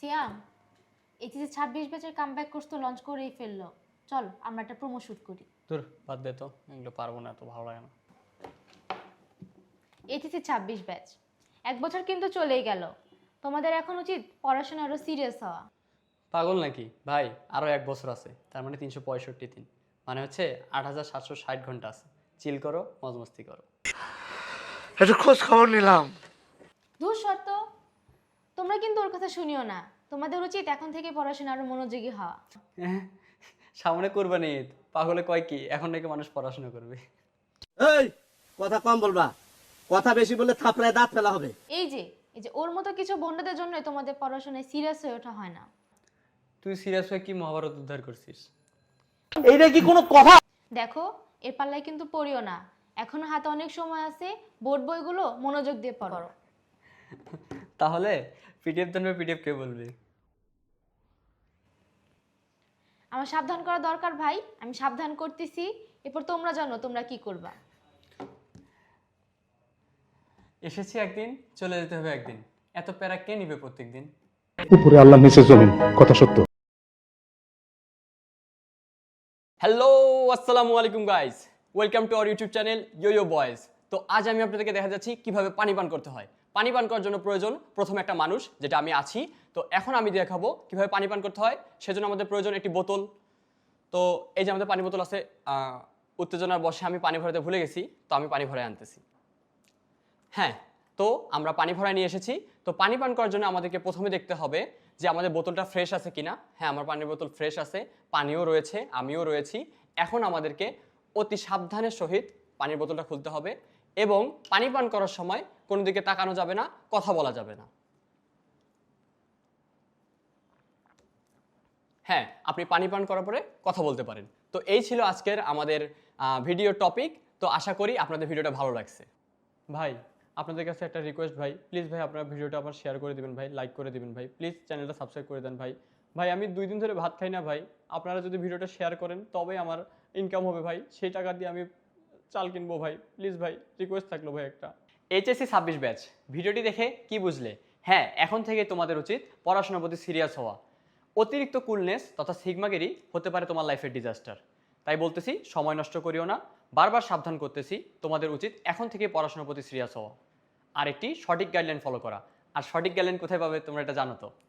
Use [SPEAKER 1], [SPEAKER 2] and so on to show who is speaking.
[SPEAKER 1] সিয়াম, HSC 26 ব্যাচের comeback course তো launch করেই ফেললো। চল আমরা একটা প্রোমো শুট করি।
[SPEAKER 2] তোর বাদ দে তো, এগুলো পারবো না, এত ভালো লাগে না।
[SPEAKER 1] এইচএসসি 26 ব্যাচ, 1 বছর কিন্তু চলেই গেল। তোমাদের এখন উচিত পড়াশোনা আরো সিরিয়াস হওয়া।
[SPEAKER 2] পাগল নাকি ভাই? আরও 1 বছর আছে, তার মানে 365 দিন, মানে হচ্ছে 8760 ঘন্টা আছে। চিল করো, মজ মস্তি করো।
[SPEAKER 3] একটু খোঁজ খবর নিলাম।
[SPEAKER 1] দূর শর্ত, তোমরা কিন্তু ওর কথা শুনিও না। তোমাদের উচিত এখন থেকে পড়াশোনা আরো মনোযোগী হওয়া।
[SPEAKER 2] সামনে কোরবানি ঈদ, পাগলে কয় কি, এখন নাকি মানুষ পড়াশোনা করবে।
[SPEAKER 4] এই কথা কম বলবা, কথা বেশি বললে থাপড়ায় দাঁত ফেলা হবে।
[SPEAKER 1] এই যে ওর মতো কিছু বন্ধুদের জন্যই তোমাদের পড়াশোনায় সিরিয়াস হয়ে ওঠা হয় না।
[SPEAKER 2] তুই সিরিয়াস হয়ে কি মহাভারত উদ্ধার করছিস?
[SPEAKER 4] এইটা কি কোনো কথা?
[SPEAKER 1] দেখো, এর পাল্লায় কিন্তু পড়িও না। এখনো হাতে অনেক সময় আছে, বোর্ড বইগুলো মনোযোগ দিয়ে পড়ো।
[SPEAKER 2] তাহলে পিডিএফ জানবে, পিডিএফ কে বলবি?
[SPEAKER 1] আমার সাবধান করা দরকার ভাই, আমি সাবধান করতেছি। এরপর তোমরা জানো তোমরা কি করবা।
[SPEAKER 2] এসেছি একদিন, চলে যেতে হবে একদিন, এত প্যারা কে নিবে প্রত্যেকদিন?
[SPEAKER 5] উপরে আল্লাহ নিচে জমিন, কথা সত্য।
[SPEAKER 2] হ্যালো, আসসালামু আলাইকুম guys, welcome to our YouTube channel yo boys. তো আজ আমি আপনাদেরকে দেখা যাচ্ছি কিভাবে পানি পান করতে হয়। পানি পান করার জন্য প্রয়োজন প্রথমে একটা মানুষ, যেটা আমি আছি। তো এখন আমি দেখাবো কিভাবে পানি পান করতে হয়। সেজন্য আমাদের প্রয়োজন একটি বোতল। তো এই যে আমাদের পানি বোতল আছে, উত্তেজনার বশে আমি পানি ভরাতে ভুলে গেছি, তো আমি পানি ভরাই আনতেছি। হ্যাঁ, তো আমরা পানি ভরায় নিয়ে এসেছি। তো পানি পান করার জন্য আমাদেরকে প্রথমে দেখতে হবে যে আমাদের বোতলটা ফ্রেশ আছে কিনা। হ্যাঁ, আমার পানির বোতল ফ্রেশ আছে, পানিও রয়েছে, আমিও রয়েছি। এখন আমাদেরকে অতি সাবধানের সহিত পানির বোতলটা খুলতে হবে এবং পানি পান করার সময় কোনো দিকে তাকানো যাবে না, কথা বলা যাবে না। হ্যাঁ, আপনি পানি পান করার পরে কথা বলতে পারেন। তো এই ছিল আজকের আমাদের ভিডিও টপিক। তো আশা করি আপনাদের ভিডিওটা ভালো লাগছে। ভাই, আপনাদের কাছে একটা রিকোয়েস্ট ভাই, প্লিজ ভাই আপনারা ভিডিওটা আবার শেয়ার করে দিবেন ভাই, লাইক করে দিবেন ভাই, প্লিজ চ্যানেলটা সাবস্ক্রাইব করে দেন ভাই। ভাই আমি 2 দিন ধরে ভাত খাই না ভাই, আপনারা যদি ভিডিওটা শেয়ার করেন তবে আমার ইনকাম হবে ভাই, সেই টাকা দিয়ে আমি চাল কিনবো ভাই, প্লিজ ভাই, রিকোয়েস্ট থাকলো ভাই একটা। এইচএসসি 26 ব্যাচ, ভিডিওটি দেখে কি বুঝলে? হ্যাঁ, এখন থেকে তোমাদের উচিত পড়াশোনার প্রতি সিরিয়াস হওয়া। অতিরিক্ত কুলনেস তথা সিগমাগিরি হতে পারে তোমার লাইফের ডিজাস্টার। তাই বলতেছি, সময় নষ্ট করিও না, বারবার সাবধান করতেছি, তোমাদের উচিত এখন থেকে পড়াশোনার প্রতি সিরিয়াস হওয়া আর একটি সঠিক গাইডলাইন ফলো করা। আর সঠিক গাইডলাইন কোথায় পাবে তোমরা এটা জানো তো?